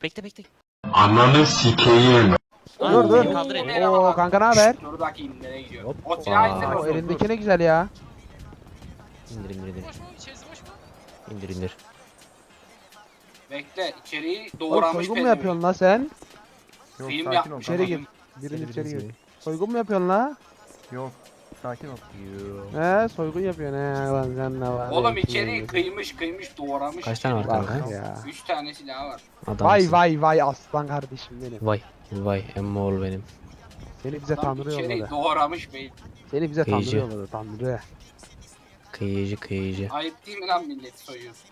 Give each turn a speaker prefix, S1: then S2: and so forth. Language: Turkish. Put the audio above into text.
S1: Bekle bekle.
S2: Ananı sikeyim.
S3: Dur dur.
S1: Kaldır elini.
S3: Oo kanka ne haber?
S4: Dur bakayım nereye gidiyor.
S1: Hop.
S4: O silahı indir
S3: O
S4: bakayım.
S3: elindeki ne güzel ya.
S1: İndir indir indir.
S5: Boş mu? İçerisi boş mu?
S1: İndir indir.
S4: Bekle içeriği
S3: Oğlum
S4: doğramış
S3: soygun mu
S4: pezevenk.
S3: yapıyorsun la sen?
S6: Yok
S4: Film
S6: sakin ol.
S4: yapmış.
S3: İçeri
S6: tamam.
S3: gir. Birini içeri gir. Soygun mu yapıyorsun la?
S6: Yok sakin ol.
S3: He soygun yapıyorsun he lan sen ne var?
S4: Oğlum içeriği kıymış doğramış.
S1: Kaç tane var
S3: Bak
S1: kanka?
S3: ya.
S4: 3 tane silahı var.
S1: Adamsın.
S3: Vay aslan kardeşim benim.
S1: Vay emmoğlu benim.
S3: Seni bize
S4: Adam
S3: Tanrı
S4: içeriği
S3: yolladı.
S4: doğramış bey.
S3: Seni bize Tanrı
S1: Kıyıcı.
S3: yolladı Tanrı.
S1: Kıyıcı.
S4: Ayıp değil mi lan milleti soyuyorsun?